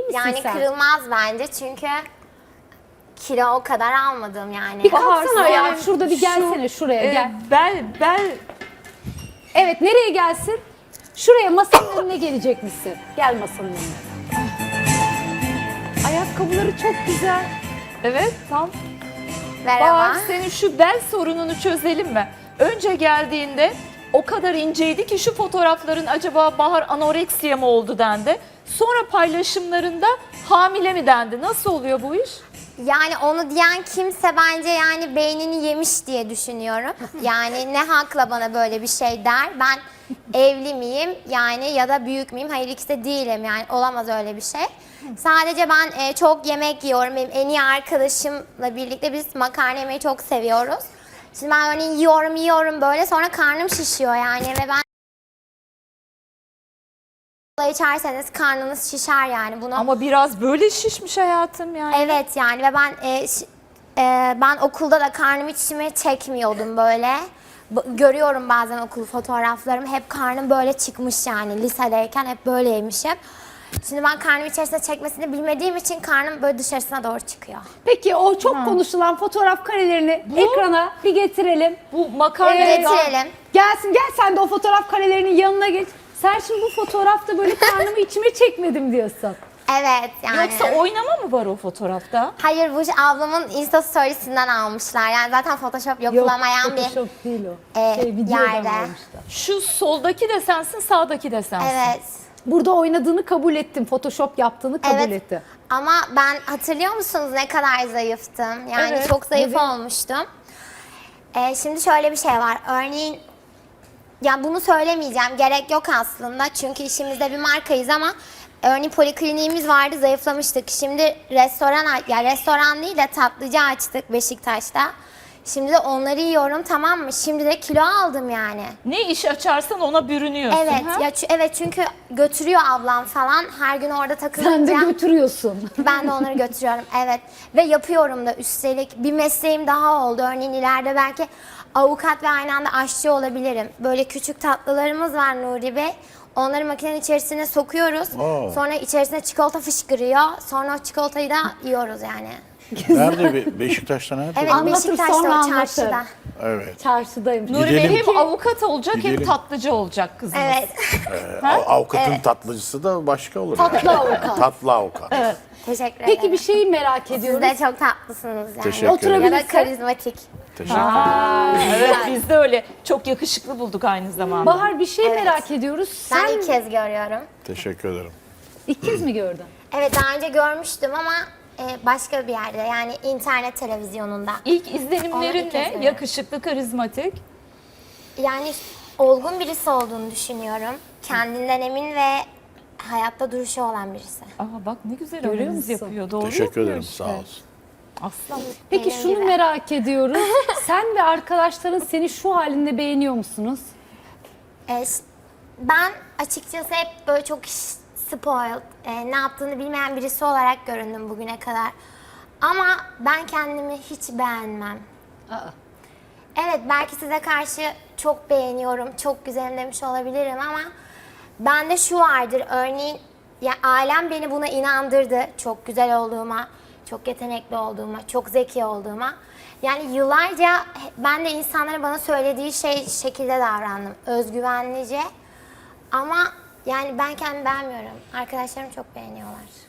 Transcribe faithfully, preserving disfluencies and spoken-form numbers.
misin Yani sen? kırılmaz bence çünkü kilo o kadar almadım yani. Bir kalksana Bahar, ya. yani Şurada bir şu, gelsene şuraya e, gel. bel, bel Evet, nereye gelsin? Şuraya, masanın önüne gelecek misin? Gel masanın önüne. Ayakkabıları çok güzel. evet tam. Merhaba. Bahar, senin şu bel sorununu çözelim mi? Önce geldiğinde o kadar inceydi ki şu fotoğrafların acaba Bahar anoreksiye mi oldu dendi. Sonra paylaşımlarında hamile mi dendi? Nasıl oluyor bu iş? Yani onu diyen kimse bence yani beynini yemiş diye düşünüyorum. Yani ne hakla bana böyle bir şey der. Ben evli miyim yani ya da büyük müyüm? Hayır, ikisi de değilim yani, olamaz öyle bir şey. Sadece ben e, çok yemek yiyorum. Benim en iyi arkadaşımla birlikte biz makarna yemeyi çok seviyoruz. Şimdi ben örneğin yiyorum yiyorum böyle, sonra karnım şişiyor yani ve ben kola içerseniz karnınız şişer yani bunu. Ama biraz böyle şişmiş hayatım yani. Evet yani ve ben e, ş- e, ben okulda da karnımı içime çekmiyordum böyle. B- görüyorum bazen okul fotoğraflarımı, hep karnım böyle çıkmış yani, lisedeyken hep böyleymişim. Şimdi ben karnımı içerisine çekmesini bilmediğim için karnım böyle dışarısına doğru çıkıyor. Peki o çok konuşulan fotoğraf karelerini ekrana bir getirelim. Bu makarna Evet. Getirelim. Gelsin, gel sen de o fotoğraf karelerinin yanına geç. Sen şimdi bu fotoğrafta böyle karnımı içime çekmedim diyorsun. Evet yani. Yoksa oynama mı var o fotoğrafta? Hayır, bu ablamın Insta Stories'inden almışlar. Yani zaten Photoshop yapılamayan bir Photoshop değil o. e, şey, videodan yerde. almışlar. Şu soldaki de sensin, sağdaki de sensin. Evet. Burada oynadığını kabul ettim. Photoshop yaptığını kabul Evet. etti. Ama ben, hatırlıyor musunuz ne kadar zayıftım? Yani Evet, çok zayıf evet. olmuştum. Ee, şimdi şöyle bir şey var. Örneğin, ya bunu söylemeyeceğim. Gerek yok aslında. Çünkü işimizde bir markayız ama örneğin polikliniğimiz vardı, zayıflamıştık. Şimdi restoran, ya restoran değil de tatlıcı açtık Beşiktaş'ta. Şimdi de onları yiyorum, tamam mı? Şimdi de kilo aldım yani. Ne iş açarsan ona bürünüyorsun. Evet, ha? ya çü- evet çünkü götürüyor ablam falan. Her gün orada takılınca. Sen de götürüyorsun. Ben de onları götürüyorum, evet. Ve yapıyorum da üstelik. Bir mesleğim daha oldu. Örneğin ileride belki avukat ve aynı anda aşçı olabilirim. Böyle küçük tatlılarımız var Nuri Bey. Onları makinenin içerisine sokuyoruz. Aa. Sonra içerisine çikolata fışkırıyor. Sonra o çikolatayı da yiyoruz yani. Nerede? Be- Beşiktaş'ta nerede? Evet, Anlatır, Beşiktaş'ta sonra o anlatır. çarşıda. Evet. Çarşıdayım. Nuri Bey Gidelim. hem avukat olacak hem Gidelim. tatlıcı olacak kızımız. Evet. Ee, av- avukatın tatlıcısı da başka olur. Tatlı yani. avukat. Tatlı avukat. Teşekkür ederim. Peki bir şeyi merak Siz ediyoruz. de çok tatlısınız yani. Teşekkür ederim. Ya da karizmatik. Teşekkür ederim. Evet, biz de öyle. Çok yakışıklı bulduk aynı zamanda. Bahar, bir şey Evet. merak ediyoruz. Ben Sen ilk kez görüyorum. Teşekkür ederim. ilk kez mi gördün? Evet, daha önce görmüştüm ama e, başka bir yerde, yani internet televizyonunda. İlk Onu ilk izlenimlerin kez ne? görüyorum. Yakışıklı, karizmatik. Yani olgun birisi olduğunu düşünüyorum. Kendinden emin ve hayatta duruşu olan birisi. Aa bak ne güzel Görüyor analiz musun? yapıyor. Doğru Teşekkür yapıyor ederim. işte. Sağ olsun. Aslan. Peki Benim şunu gibi. merak ediyoruz. Sen ve arkadaşların seni şu halinde beğeniyor musunuz? E, ş- ben açıkçası hep böyle çok ş- spoiled, e, ne yaptığını bilmeyen birisi olarak göründüm bugüne kadar. Ama ben kendimi hiç beğenmem. Aa. Evet, belki size karşı çok beğeniyorum, çok güzelim demiş olabilirim ama bende şu vardır, örneğin ya ailem beni buna inandırdı, çok güzel olduğuma, çok yetenekli olduğuma, çok zeki olduğuma. Yani yıllarca ben de insanların bana söylediği şey şekilde davrandım, özgüvenlice. Ama yani ben kendimi beğenmiyorum, arkadaşlarım çok beğeniyorlar.